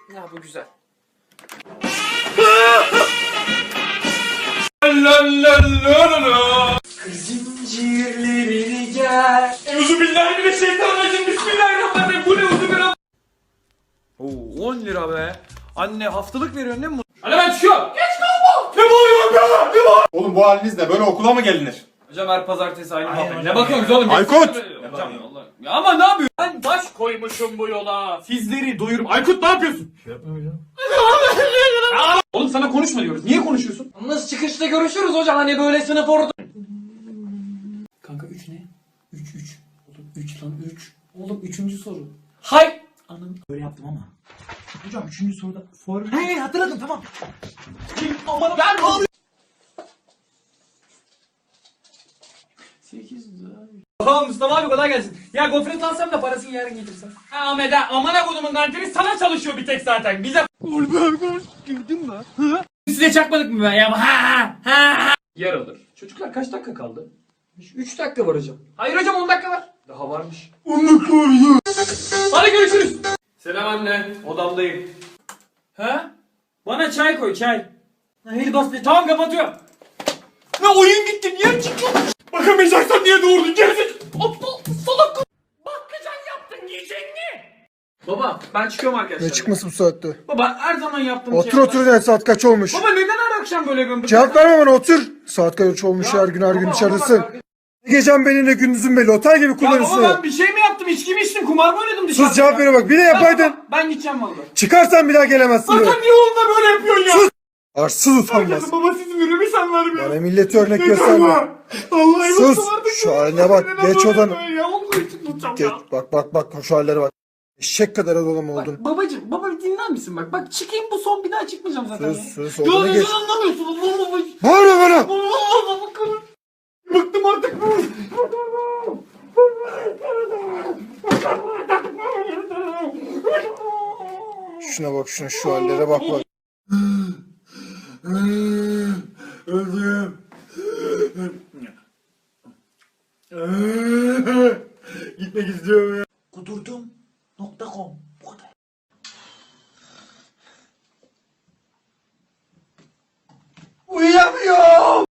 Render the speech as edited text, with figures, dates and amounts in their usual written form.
Ya bu güzel. Zincirlerini gel. Euzubillahimineşşeytanirracim. Bismillahirrahmanirrahim. Bu ne uzun? Oo 10 lira be. Anne haftalık veriyorsun değil mi? Anne ben çıkıyorum. Geç kalma. Ne bağırıyorsun be? Ne bağırıyorsun? Oğlum bu halinizle böyle okula mı gelinir? Hocam her pazartesi aynı muhabbet. Ne bakıyorsunuz oğlum? Aykut! Hocam Allah. Ya ama ne yapıyorsun? Ben baş koymuşum bu yola. Sizleri doyurum. Aykut ne yapıyorsun? Şey yapmıyorum hocam. Oğlum sana konuşma diyoruz. Niye konuşuyorsun? Nasıl çıkışta görüşürüz hocam hani böyle sınıf orada. Kanka 3 ne? 3. Oğlum 3 lan 3. Oğlum 3. soru. Hay! Anam böyle yaptım ama. Hocam 3. soruda formül. He hatırladım tamam. Aman ben bağırıyorum. 8 lira. Tamam Mustafa abi kolay gelsin. Ya gofret alsam da parasını yarın getirsen. Ha Ahmet ha amana kodumun kantini sana çalışıyor bir tek zaten. Bize... Girdin mi? Size çakmadık mı ben ya? Ha. Yer alır. Çocuklar kaç dakika kaldı? 3 dakika var hocam. Hayır hocam 10 dakika var. Daha varmış. 10 dakika var ya. Hadi görüşürüz. Selam anne. Odamdayım. Ha? Bana çay koy çay. Hadi bas be. Tamam kapatıyorum. Ne oyun gitti niye çıktın? Bakamayacaksan niye doğurdun gerizekalı? Aptal salak. Bakkacan yaptın yiyecek mi? Baba ben çıkıyorum arkadaşlar. Ne çıkması bu saatte? Baba her zaman yaptığım Otur otur ya, saat kaç olmuş? Baba neden her akşam böyle gömdün? Cevap verme bana, otur. Saat kaç olmuş, her gün baba, içeridesin. baba, Ne gecen belli ne gündüzün belli, otel gibi Ya kullanırsın. baba ben bir şey mi yaptım? İçki mi içtim? Kumar mı oynadım dışarıda? Sus, cevap ver bak, bir de yapaydın. Ben gideceğim valla. Çıkarsan bir daha gelemezsin buraya. Zaten niye oğlum böyle yapıyorsun ya? Sus. Arsız utanmaz. Herkesin babası izin veriyor bir sen vermiyorsun. Bana milleti örnek gösterme. Allah'ım Sus. Şu haline bak, geç odana. Ya Allah için tutacağım Geç, ya. bak şu hallere bak. Eşek kadar adam oldun. Babacım baba bir dinler misin bak. Bak çıkayım bu son bir daha çıkmayacağım zaten. Sus, Ya odana geç. neden anlamıyorsun? Allah. Bağırma bana. Allah. Bıktım artık. Şuna bak, şu hallere bak. Öldüm. Gitmek istiyorum ya. Kudurdum.com bu kadar. Uyuyamıyorum.